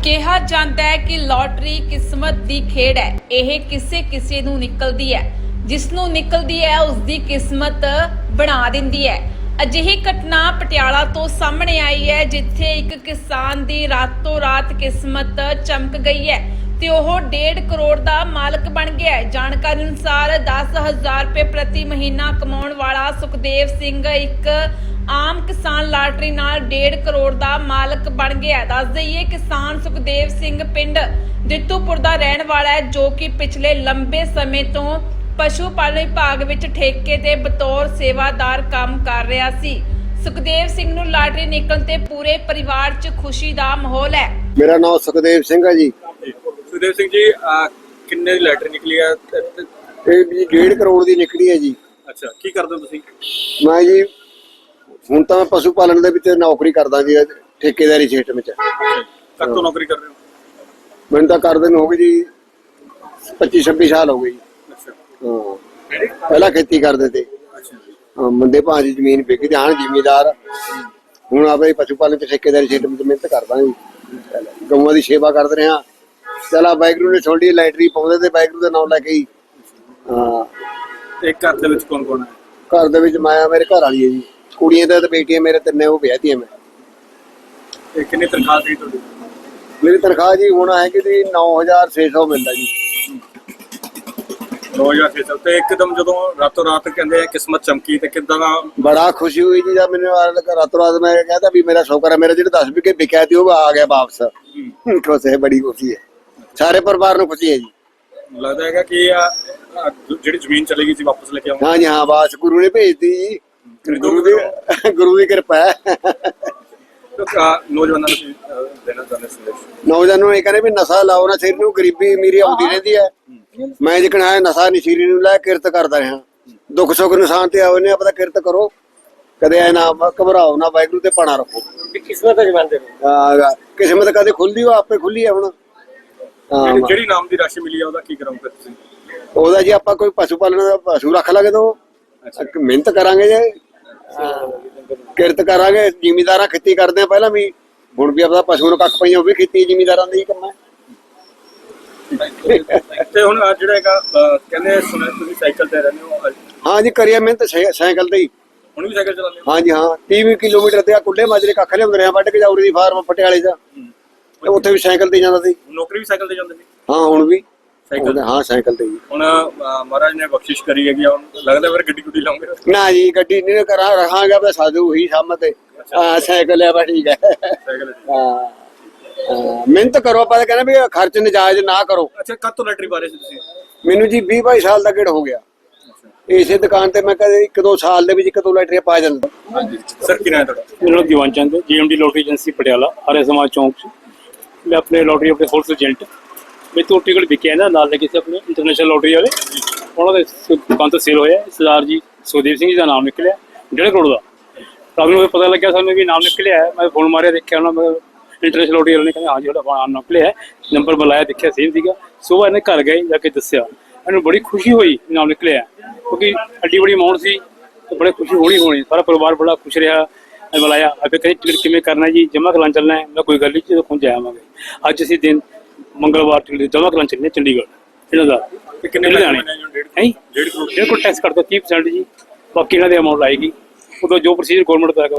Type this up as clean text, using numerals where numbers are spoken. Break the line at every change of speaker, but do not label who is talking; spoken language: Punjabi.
ਕਿਹਾ ਜਾਂਦਾ ਹੈ ਕਿ ਲੋਟਰੀ ਕਿਸਮਤ ਦੀ ਖੇਡ ਹੈ। ਇਹ ਕਿਸੇ ਨੂੰ ਨਿਕਲਦੀ ਹੈ, ਜਿਸ ਨੂੰ ਨਿਕਲਦੀ ਹੈ ਉਸ ਦੀ ਕਿਸਮਤ ਬਣਾ ਦਿੰਦੀ ਹੈ। ਅਜਿਹੀ ਘਟਨਾ ਪਟਿਆਲਾ ਤੋਂ ਸਾਹਮਣੇ ਆਈ ਹੈ, ਜਿੱਥੇ ਇੱਕ ਕਿਸਾਨ ਦੀ ਰਾਤੋਂ ਰਾਤ ਕਿਸਮਤ ਚਮਕ ਗਈ ਹੈ ਤੇ ਉਹ 1.5 ਕਰੋੜ ਦਾ ਮਾਲਕ ਬਣ ਗਿਆ ਹੈ। ਜਾਣਕਾਰੀ ਅਨੁਸਾਰ 10,000 ਰੁਪਏ ਪ੍ਰਤੀ ਮਹੀਨਾ ਕਮਾਉਣ ਵਾਲਾ ਸੁਖਦੇਵ ਸਿੰਘ ਇੱਕ ਆਮ ਕਿਸਾਨ ਲਾਟਰੀ ਨਾਲ 1.5 ਕਰੋੜ ਦਾ ਮਾਲਕ ਬਣ ਗਿਆ। ਦੱਸ ਦਈਏ, ਕਿਸਾਨ ਸੁਖਦੇਵ ਸਿੰਘ ਪਿੰਡ ਦਿੱਤੂਪੁਰ ਦਾ ਰਹਿਣ ਵਾਲਾ ਹੈ, ਜੋ ਕਿ ਪਿਛਲੇ ਲੰਬੇ ਸਮੇਂ ਤੋਂ ਪਸ਼ੂ ਪਾਲਣ ਵਿਭਾਗ ਵਿੱਚ ਠੇਕੇ ਤੇ ਬਤੌਰ ਸੇਵਾਦਾਰ ਕੰਮ ਕਰ ਰਿਹਾ ਸੀ। ਸੁਖਦੇਵ ਸਿੰਘ ਨੂੰ ਲਾਟਰੀ ਨਿਕਲਣ ਤੇ ਪੂਰੇ ਪਰਿਵਾਰ 'ਚ ਖੁਸ਼ੀ ਦਾ ਮਾਹੌਲ ਹੈ।
ਮੇਰਾ ਨਾਮ ਸੁਖਦੇਵ ਸਿੰਘ ਹੈ ਜੀ।
ਸੁਖਦੇਵ ਸਿੰਘ ਜੀ, ਕਿੰਨੇ ਦੀ ਲਾਟਰੀ ਨਿਕਲੀ ਹੈ?
ਇਹ ਜੀ 1.5 ਕਰੋੜ ਦੀ ਨਿਕਲੀ ਹੈ ਜੀ।
ਅੱਛਾ, ਕੀ ਕਰਦੇ ਹੋ ਤੁਸੀਂ?
ਮੈਂ ਜੀ ਹੁਣ ਤਾਂ ਪਸ਼ੂ ਪਾਲਣ ਦੇ ਵਿੱਚ ਨੌਕਰੀ ਕਰਦਾ ਜੀ, ਠੇਕੇਦਾਰੀ ਸਿਸਟਮ ਵਿੱਚ।
ਕਦ ਤੋਂ ਨੌਕਰੀ ਕਰ ਰਹੇ ਹੋ?
ਮੈਨੂੰ ਤਾਂ ਕਰਦੇ ਨੂੰ ਹੋ ਗਏ ਜੀ 25-26 ਸਾਲ ਹੋ ਗਏ ਜੀ।
ਅੱਛਾ,
ਹਾਂ, ਪਹਿਲਾਂ ਖੇਤੀ ਕਰਦੇ ਤੇ।
ਅੱਛਾ,
ਮੰਦੇ ਭਾਅ ਦੀ ਜ਼ਮੀਨ ਵਿਕ ਗਈ, ਹਾਂ ਜ਼ਿਮੀਦਾਰ। ਹੁਣ ਆਪਣੇ ਪਸ਼ੂ ਪਾਲਣ ਤੇ ਠੇਕੇਦਾਰੀ ਸਿਸਟਮ ਵਿੱਚ ਮਿਹਨਤ ਕਰਦਾ ਜੀ, ਗਊਆਂ ਦੀ ਸੇਵਾ ਕਰਦੇ ਰਹੇ ਹਾਂ। ਚਲਾ ਵਾਹਿਗੁਰੂ ਨੇ ਛੋਟੀ ਲਾਟਰੀ ਪਾਉਂਦੇ ਤੇ ਵਾਹਿਗੁਰੂ ਦਾ ਨਾਮ ਲੈ ਕੇ ਹੀ। ਹਾਂ,
ਤੇ ਘਰ ਦੇ ਵਿੱਚ ਕੌਣ ਕੌਣ ਹੈ?
ਘਰ ਦੇ ਵਿੱਚ ਮੈਂ, ਮੇਰੇ ਘਰ ਵਾਲੀ ਹੈ ਜੀ, ਕੁੜੀਆਂ ਤੇ ਬੇਟੀਆਂ ਮੇਰੇ ਤਿੰਨੇ, ਉਹ ਵਿਆਹਤੀਆਂ ਮੈਂ।
ਤੇ ਕਿੰਨੀ ਤਨਖਾਹ ਸੀ ਤੁਹਾਡੀ?
ਮੇਰੀ ਤਨਖਾਹ ਜੀ ਹੁਣ ਹੈ ਕਿ 9,600 ਮਿਲਦਾ ਜੀ।
2006 ਤੇ ਇੱਕਦਮ ਜਦੋਂ ਰਾਤੋਂ ਰਾਤ ਕਹਿੰਦੇ ਆ ਕਿਸਮਤ ਚਮਕੀ, ਤੇ ਕਿੱਦਾਂ ਦਾ?
ਬੜਾ ਖੁਸ਼ੀ ਹੋਈ ਜੀ ਜਦ ਮੈਨੂੰ ਰਾਤੋਂ ਰਾਤ ਮੈਂ ਕਹਿੰਦਾ ਵੀ ਮੇਰਾ ਸ਼ੌਕਰ ਹੈ, ਮੇਰਾ ਜਿਹੜਾ 10 ਵਿਕੇ ਵਿਕਿਆ ਸੀ ਉਹ ਆ ਗਿਆ ਵਾਪਸ। ਖੁਸ਼ ਹੈ, ਬੜੀ ਖੁਸ਼ੀ ਹੈ, ਸਾਰੇ ਪਰਿਵਾਰ ਨੂੰ ਖੁਸ਼ੀ ਹੈ ਜੀ।
ਲੱਗਦਾ ਹੈਗਾ ਕਿ ਜਿਹੜੀ ਜ਼ਮੀਨ ਚਲੀ ਗਈ ਸੀ ਵਾਪਸ ਲੈ ਕੇ ਆਉਂਗਾ।
ਹਾਂ ਜੀ, ਹਾਂ, ਬਾਸ ਗੁਰੂ ਨੇ ਭੇਜਤੀ ਜੀ, ਗੁਰੂ ਦੀ ਕਿਰਪਾ ਹੈ।
ਨੌਜਵਾਨਾਂ ਨੂੰ ਦੇਣਾ ਚਾਹੁੰਦੇ ਸੰਦੇਸ਼?
ਨੌਜਵਾਨਾਂ ਨੂੰ ਇਹ ਕਹਿੰਦੇ ਵੀ ਨਸ਼ਾ ਲਾਓ ਨਾ, ਸਿਰ ਨੂੰ ਗਰੀਬੀ ਅਮੀਰੀ ਆਉਂਦੀ ਰਹਿੰਦੀ ਹੈ। ਮੈਂ ਜਿਕਣ ਆਇਆ ਨਸ਼ਾ ਨਸ਼ੀਰੀ ਨੂੰ ਲੈ ਕਿਰਤ ਕਰਦਾ ਰਿਹਾ। ਦੁੱਖ ਸੁੱਖ ਨਿਸ਼ਾਨ ਤੇ ਆਓ ਨੇ ਆਪਣਾ ਕਿਰਤ ਕਰੋ, ਕਦੇ ਐ ਨਾ ਘਬਰਾਓ ਨਾ, ਵਾਹਿਗੁਰੂ ਤੇ ਪਾਣਾ ਰੱਖੋ।
ਕਿਸਮਤ ਜਮਾਂਦੇ
ਕਿਸਮਤ ਕਦੇ ਖੁੱਲਦੀ, ਉਹ ਆਪੇ ਖੁੱਲੀ ਹੈ। ਹੁਣ
ਜਿਹੜੀ ਨਾਮ ਦੀ ਰਾਸ਼ੀ ਮਿਲੀ ਆ ਉਹਦਾ ਕੀ ਕਰਾਂਗੇ ਤੁਸੀਂ?
ਉਹਦਾ ਜੀ ਆਪਾਂ ਕੋਈ ਪਸ਼ੂ ਪਾਲਣ ਦਾ ਪਸ਼ੂ ਰੱਖ ਲਾਂਗੇ ਤਾਂ ਮਿਹਨਤ ਕਰਾਂਗੇ ਜੇ, ਕਿਰਤ ਕਰਾਂਗੇ। ਜ਼ਿਮੀਦਾਰਾਂ ਖੇਤੀ ਕਰਦੇ ਆ ਪਹਿਲਾਂ ਵੀ, ਹੁਣ ਵੀ ਆਪਣਾ ਪਸ਼ੂ ਨੂੰ ਕੱਖ ਪਈਆਂ, ਉਹ ਵੀ ਖੇਤੀ ਜ਼ਿਮੀਦਾਰਾਂ ਦਾ ਹੀ ਕੰਮ ਹੈ।
ਤੇ ਹੁਣ ਜਿਹੜਾ ਹੈਗਾ ਕਹਿੰਦੇ ਸੁਣਿਆ ਤੁਸੀਂ ਸਾਈਕਲ ਤੇ ਰਹਿੰਦੇ ਹੋ?
ਹਾਂ ਜੀ, ਕਰੀਏ ਮਿਹਨਤ ਸਾਈਕਲ ਤੇ ਹੀ।
ਹੁਣ ਵੀ ਸਾਈਕਲ ਚਲਾਉਂਦੇ ਹੋ?
ਹਾਂ ਜੀ, ਹਾਂ, 30 ਕਿਲੋਮੀਟਰ ਤੇ ਆ ਕੁੱਲੇ ਮਾਜਰੇ ਕੱਖ ਲਿਆਉਂਦੇ ਰਹੇ, ਵੱਢ ਕੇ ਜਾਉਰੀ ਦੀ ਫਾਰਮ ਪਟਿਆਲੇ ਦਾ, ਉੱਥੇ ਵੀ ਸਾਈਕਲ ਤੇ ਜਾਂਦਾ ਸੀ।
ਨੌਕਰੀ ਵੀ ਸਾਈਕਲ ਤੇ ਜਾਂਦੇ ਸੀ?
ਹਾਂ, ਹੁਣ ਵੀ
ਸਾਈਕਲ?
ਹਾਂ, ਸਾਈਕਲ ਤੇ ਹੀ।
ਹੁਣ ਮਹਾਰਾਜ ਨੇ ਬਖਸ਼ਿਸ਼ ਕਰੀ ਹੈਗੀ, ਹੁਣ ਲੱਗਦਾ ਫਿਰ ਗੱਡੀ ਗੁੱਡੀ ਲਾਉਂਗੇ?
ਨਾ ਜੀ, ਗੱਡੀ ਨਹੀਂ ਕਰਾਂ, ਰਖਾਂਗੇ ਆਪਣੇ ਸਾਧੂ ਹੀ ਸਾਹਮਣੇ। ਹਾਂ, ਸਾਈਕਲ ਹੈ, ਬਸ ਠੀਕ ਹੈ।
ਸਾਈਕਲ?
ਹਾਂ, ਮਿਹਨਤ ਕਰੋ, ਆਪਾਂ ਤਾਂ ਕਹਿੰਦੇ ਵੀ ਖਰਚ ਨਜਾਇਜ਼ ਨਾ ਕਰੋ।
ਅੱਛਾ, ਕਦ ਤੋਂ ਲਾਟਰੀ ਬਾਰੇ ਸੀ ਤੁਸੀਂ?
ਮੈਨੂੰ ਜੀ 20-22 ਸਾਲ ਦਾ ਗੇੜ ਹੋ ਗਿਆ। ਇਸੇ ਦੁਕਾਨ ਤੇ ਮੈਂ ਕਦੇ 1-2 ਸਾਲ ਦੇ ਵਿੱਚ 1-2 ਲਾਟਰੀਆਂ ਪਾ ਜਾਂਦਾ।
ਹਾਂਜੀ ਸਰ, ਕੀ ਨਾਮ ਤੁਹਾਡਾ?
ਮੇਰਾ ਨਾਮ Diwan Chand, GMD lottery agency Patiala, ਹਰੇ ਸਮਾਜ ਚੌਂਕ 'ਚ। ਮੈਂ ਆਪਣੇ ਲੋਟਰੀ ਆਪਣੇ ਹੋਲਸੇਲ ਏਜੰਟ, ਮੇਰੇ ਤੋਂ ਟਿਕਟ ਵਿਕਿਆ ਨਾ, ਨਾਲ ਲੱਗੇ ਸੀ ਆਪਣੇ ਇੰਟਰਨੈਸ਼ਨਲ ਲੋਟਰੀ ਵਾਲੇ, ਉਹਨਾਂ ਦੇ ਦੁਕਾਨ ਤੋਂ ਸੇਲ ਹੋਇਆ। ਸਰਦਾਰ ਜੀ ਸੁਖਦੇਵ ਸਿੰਘ ਜੀ ਦਾ ਨਾਮ ਨਿਕਲਿਆ 1.5 ਕਰੋੜ ਦਾ। ਰਾਤ ਨੂੰ ਪਤਾ ਲੱਗਿਆ ਸਾਨੂੰ ਵੀ ਨਾਮ ਨਿਕਲਿਆ। ਮੈਂ ਫੋਨ ਮਾਰਿਆ, ਦੇਖਿਆ ਉਹਨਾਂ ਮੈਂ ਇੰਟਰਨੈਸ਼ਨਲ ਲੋਟਰੀ ਵਾਲੇ ਨੇ, ਕਹਿੰਦੇ ਹਾਂ ਜੀ ਤੁਹਾਡਾ ਨਾਮ ਨਿਕਲਿਆ। ਨੰਬਰ ਬੁਲਾਇਆ, ਦੇਖਿਆ ਸੇਮ ਸੀਗਾ। ਸੁਬਾਹ ਇਹਨੇ ਘਰ ਗਏ, ਜਾ ਕੇ ਦੱਸਿਆ, ਇਹਨੂੰ ਬੜੀ ਖੁਸ਼ੀ ਹੋਈ ਨਾਮ ਨਿਕਲਿਆ, ਕਿਉਂਕਿ ਐਡੀ ਬੜੀ ਅਮਾਊਂਟ ਸੀ, ਤੇ ਬੜੀ ਖੁਸ਼ੀ ਹੋਣੀ। ਸਾਰਾ ਪਰਿਵਾਰ ਬੜਾ ਖੁਸ਼ ਰਿਹਾ। ਬੁਲਾਇਆ, ਅੱਗੇ ਕਹਿੰਦੇ ਟਿਕਟ ਕਿਵੇਂ ਕਰਨਾ ਜੀ, ਜਮ੍ਹਾਂ ਕਰਾਉਣ ਚੱਲਣਾ ਹੈ? ਮੈਂ ਕੋਈ ਗੱਲ ਨਹੀਂ, ਜਦੋਂ ਪਹੁੰਚ ਜਾਵਾਂਗੇ। ਅੱਜ ਅਸੀਂ ਦਿਨ ਮੰਗਲਵਾਰ ਟਿਕਟ ਜਮ੍ਹਾਂ ਕਰਾਉਣ ਚੱਲੇ ਚੰਡੀਗੜ੍ਹ ਇਹਨਾਂ ਦਾ।
ਕਿੰਨੇ
ਲੁਧਿਆਣੇ
ਹੈ?
1.5 ਕਰੋੜ ਟੈਕਸ ਕੱਟਦਾ 30% ਜੀ, ਬਾਕੀ ਇਹਨਾਂ ਦੇ ਅਮਾਊਂਟ ਆਏਗੀ। ਉਦੋਂ ਜੋ ਪ੍ਰੋਸੀਜਰ ਗਵਰਨਮੈਂਟ ਦਾ ਹੈਗਾ